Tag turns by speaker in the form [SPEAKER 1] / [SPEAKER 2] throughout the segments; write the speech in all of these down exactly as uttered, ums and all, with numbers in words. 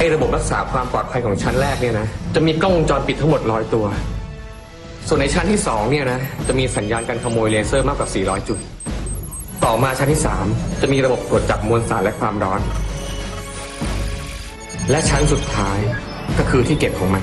[SPEAKER 1] ระบบรักษาความปลอดภัยของชั้นแรกเนี่ยนะจะมีกล้องวงจรปิดทั้งหมดร้อยตัวส่วนในชั้นที่สองเนี่ยนะจะมีสัญญาณการขโมยเลเซอร์มากกว่าสี่ร้อยจุดต่อมาชั้นที่สามจะมีระบบตรวจจับมวลสารและความร้อนและชั้นสุดท้ายก็คือที่เก็บของมัน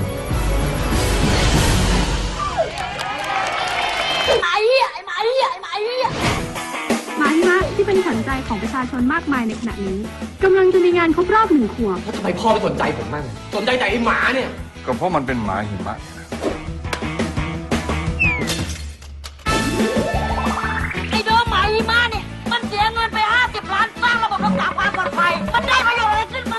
[SPEAKER 2] ไอ้เหี้ยไอ้หมาเหี้ยไอ้หมาเหี้ย
[SPEAKER 3] หมาหิมะที่เป็นขวัญใจของประชาชนมากมายในขณะนี้กำลังจะมีงานครบรอบหนึ่งขวบ
[SPEAKER 1] แล้วทำไมพ่อไม่สนใจผมบ้างสนใจแต่ไอ้หมาเนี่ย
[SPEAKER 4] ก็เพราะมันเป็นหมาหิมะ
[SPEAKER 2] ไอ้โดมหมาหิมะเนี่ยมันเสียเงินไปห้าสิบล้านสร้างระบบรักษาความปลอดภัยมันได้ประโยชน์อะไรขึ้นมา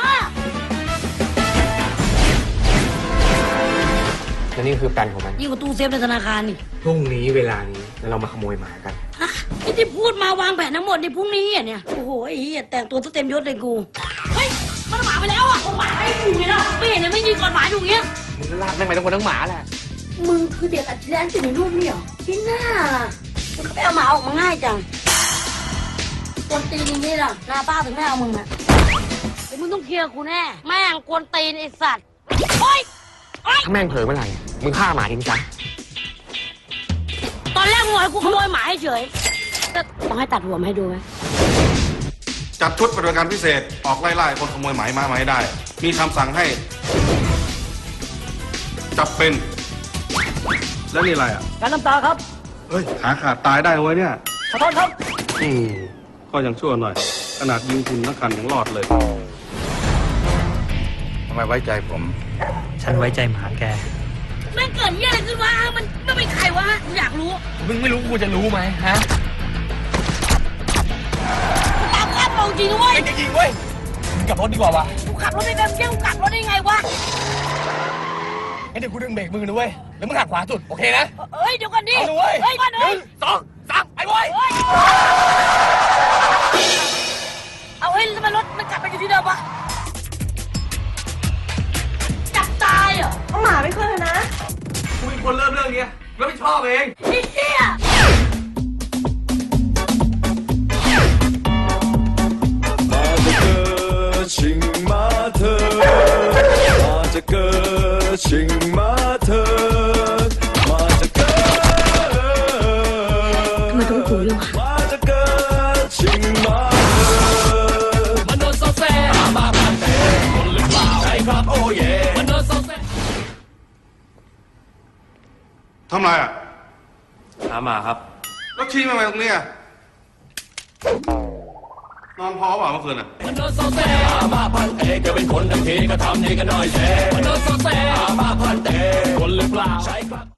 [SPEAKER 1] และนี่คือแผนของมัน
[SPEAKER 2] ยิ่งกว่าตู้เซฟในธนาคารนี่
[SPEAKER 1] พรุ่งนี้เวลานี้เรามาขโมยหมากัน
[SPEAKER 2] ฮะที่พูดมาวางแผนทั้งหมดในพรุ่งนี้เนี่ยโอ้โหไอ้เหี้ยแต่งตัวเต็มยศเลยกูเฮ้ยมันหมาไปแล้วอ่ะหมาให้กูเนี่ยนะไม่เห็นเลยไม่ยิงก่อนหมาอยู่เงี้ย
[SPEAKER 1] มึงก็ลากแม่งไปทั้งคนทั้งหมาแหละ
[SPEAKER 2] มึงคือเด็กอัจฉริยะที่ในรูปนี่เหรอที่หน้ามึงก็ไปเอาหมาออกมาง่ายจังกวนตีนอย่างนี้ล่ะหน้าป้าถึงไม่เอามึงอ่ะเดี๋ยวมึงต้องเคลียร์กูแน่แม่งกวนตีนไอ้สัตว์โอ๊ย
[SPEAKER 1] ถ้าแม่งเผลอเมื่อไหร่มึงฆ่าหมาทิ้งซะ
[SPEAKER 2] ตอนแรกมึงให้กูขโมยหมาให้เฉยต้องให้ตัดหัวมาให้ดูไหม
[SPEAKER 4] จัดชุดปฏิบัติการพิเศษออกไล่ๆคนขโมยหมามามาให้ได้มีคำสั่งให้จับเป็นแล้วนี่อะไรอ่ะ
[SPEAKER 2] การน้ำตาครับ
[SPEAKER 4] เฮ้ยขาขาดตายได้เว้ยเนี่ย
[SPEAKER 2] ขอโทษครับ
[SPEAKER 4] อืมก็ยังชั่วหน่อยขนาดยิงคุณนักขันยังรอดเลยทำไมไว้ใจผม
[SPEAKER 5] ฉันไว้ใจหมาแก
[SPEAKER 2] แม่งเกิดเหี้ยอะไรขึ้นวะมันไม่เป็นใครวะกูอยากรู้
[SPEAKER 1] มึงไม่รู้กูจะรู้ไหมฮะ
[SPEAKER 2] ตามคาดมองจริงด้วย
[SPEAKER 1] จริงเว้ยมึงกลับรถดีกว่าวะ
[SPEAKER 2] กูขับรถไม่เป็นเที่ยวกูกลับรถได้ไงวะ
[SPEAKER 1] เดี๋ยวกูดึงเบรกมือนะเว้ยแล้วมึงหักขวาสุดโอเคนะ
[SPEAKER 2] เฮ้ยเดี๋ยวก่อนดิ
[SPEAKER 1] เอาเลย
[SPEAKER 2] เฮ้ยมาหนึ่ง
[SPEAKER 1] สองสามไอ้บอย
[SPEAKER 2] เอาเฮ้ยทำไมรถมันกลับไปอยู่ที่เดิมวะจับตายเหรอ
[SPEAKER 3] เอาหมาไปคืนนะ
[SPEAKER 1] กูเป็นคนเริ่มเรื่องนี้แล้วไม่ชอบเอง
[SPEAKER 2] ไอ้เหี้ย
[SPEAKER 6] 请马特，马这个请马特，马这个，
[SPEAKER 2] ทำไมต้องกูด้วยวะ
[SPEAKER 6] 马这个请马特。
[SPEAKER 7] มันโดนโซเซ่มาพันเตะคนหรือเปล่าใช่ครับโอ้เย่มันโดนโซเซ่
[SPEAKER 4] ทำไรอ่ะ
[SPEAKER 1] หาหมาครับ
[SPEAKER 4] แล้วชี้มาตรงนี้อ่ะนอนพอเปล่าเมื่อคืนอ่ะ
[SPEAKER 7] มันโดนโซเซ่มาพันเตะก็เป็นคนทั้งทีก็ทำนี่กันหน่อยเซ่มันโดนโซเซ่มาพันเตะคนหรือเปล่าใช่ครับ